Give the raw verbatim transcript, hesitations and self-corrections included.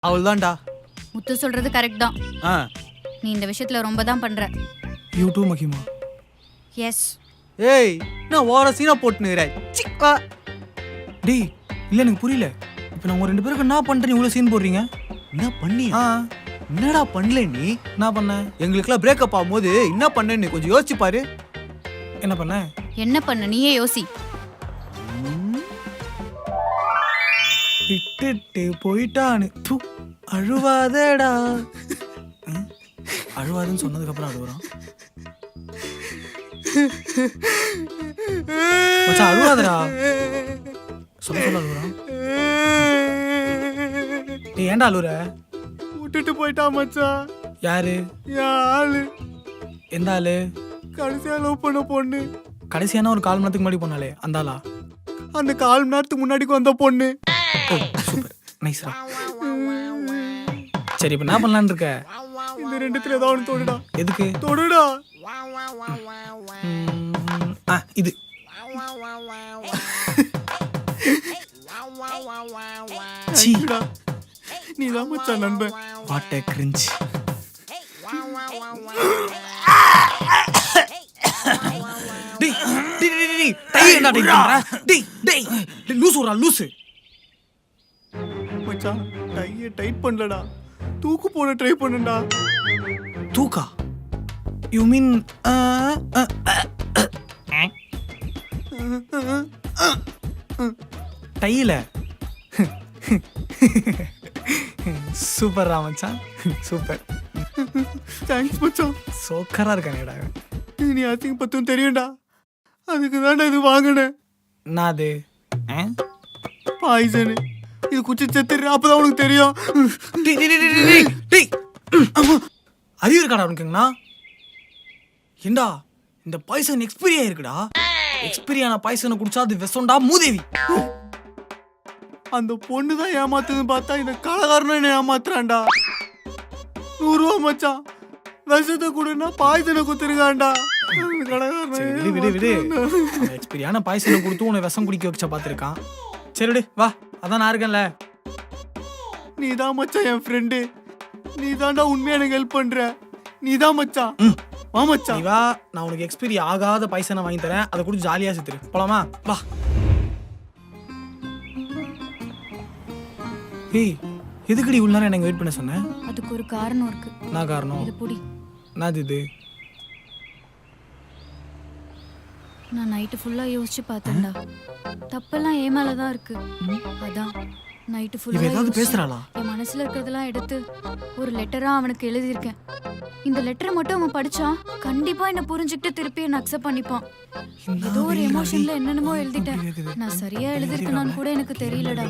அவள்தான்டா. முத்து சொல்றது கரெக்ட் தான். ஆ நீ இந்த விஷயத்துல ரொம்ப தான் பண்ற. யூ டூ மகிமா. எஸ். ஏய் நான் ஓர சீனா போட்டுனுறே. சிக்கா டேய் இல்ல எனக்கு புரியல. இப்போ நான் உங்க ரெண்டு பேருக்கு என்ன பண்றீங்க இவ்வளவு சீன் போடுறீங்க? என்ன பண்ணி? ஆ என்னடா பண்ணல நீ? என்ன பண்ண? எங்களுக்குலாம் பிரேக்கப் ஆகும்போது என்ன பண்ணேன்னு கொஞ்சம் யோசிச்சு பாரு. என்ன பண்ண? என்ன பண்ண நீயே யோசி. விட்டுட்டு போயிட்டான்னு தூ அழுவாதடா. அழுவாதுன்னு சொன்னதுக்கு அப்புறம் அழுவுறான். மச்சான் அழுவாதடா. சொல்ல சொல்ல அழுவுறான். நீ ஏன்டா அழுவுற? விட்டுட்டு போயிட்டா மச்சான். யாரு? என் ஆளு. எந்த ஆளு? கடைசியா லவ் பண்ண பொண்ணு. கடைசியான ஒரு கால் மணி நேரத்துக்கு முன்னாடி போனாலே அந்த ஆளா? அந்த கால் மணி நேரத்துக்கு முன்னாடி வந்த பொண்ணு. சூப்பர் நைஸ்ரா. சரி இப்போ என்ன பண்ணலான்னு இருக்க? இந்த ரெண்டுத்துல ஏதாவது ஒன்று தொடுடா. எதுக்கு? தொடுடா. ம், ஆ இது சீடா. நீ தான் மச்சான் நண்பன். What a cringe. டேய் டேய் டேய் டேய் டை என்ன டை பண்ற? டேய் டேய் லூசு ஒரு லூசு. மச்சான் டைய டைட் பண்ணலடா. தூக்கு போட ட்ரை பண்ணுடா. தூக்கா? யூ மீன் டையில? சூப்பர் ராமச்சான் சூப்பர். தேங்க்ஸ் மச்சான். சோக்கரா இருக்கானேடா. நீ அசிங்க பத்தும் தெரியும்டா. அதுக்கு தான்டா இது வாங்கினேன். நான் அது பாய்சனு. இது குச்சி செத்துரு அப்பதான் உனக்கு தெரியும். டேய் டேய் டேய் டேய் டேய் அறிவு இருக்காடா உனக்குங்கண்ணா? ஏண்டா இந்த பாய்சன் எக்ஸ்பீரி ஆயிருக்குடா. எக்ஸ்பீரி ஆன பாய்சனை குடிச்சா அது விஷம்டா மூதேவி. அந்த பொண்ணு தான் ஏமாத்துதுன்னு பார்த்தா இந்த கலகாரனும் என்ன ஏமாத்துறான்டா. நூறு ரூபா மச்சான். விஷத்தை கொடுன்னா பாய்சனை குத்துருக்கான்டா. சரி விடு விடு விடு. எக்ஸ்பீரியான பாய்சனை கொடுத்து உன்னை விஷம் குடிக்க வச்சா பார்த்துருக்கான். சரி விடு வா, அதான் நான் இருக்கேன்ல. நீ தான் மச்சான் என் ஃப்ரெண்டு. நீ தான்டா உண்மையா எனக்கு ஹெல்ப் பண்ற. நீ தான் மச்சான். வா மச்சான். நீ வா, நான் உனக்கு எக்ஸ்பீரி ஆகாத பாய்சனை வாங்கி தரேன். அதை கூட ஜாலியா செத்துரு. போலாமா? வா. ஏய் எதுக்குடி இவ்வளவு நேரம் எனக்கு வெயிட் பண்ண சொன்னேன்? அதுக்கு ஒரு காரணம் இருக்கு. நான் காரணம்? இது புடி. என்னது இது? நான் நைட்டு ஃபுல்லா யோசிச்சு பார்த்தேன்டா. தப்பெல்லாம் ஏ மேல தான் இருக்கு. அதான் நைட்டு இவ ஃபுல்லா ஏதாவது பேசுறாளா? என் மனசுல இருக்கிறதெல்லாம் எடுத்து ஒரு லெட்டரா அவனுக்கு எழுதியிருக்கேன். இந்த லெட்டரை மட்டும் அவன் படிச்சா கண்டிப்பா என்ன புரிஞ்சுக்கிட்டு திருப்பி என்ன அக்செப்ட் பண்ணிப்பான். ஏதோ ஒரு எமோஷன்ல என்னென்னமோ எழுதிட்டேன். நான் சரியா எழுதிருக்கேனான்னு கூட எனக்கு தெரியலடா.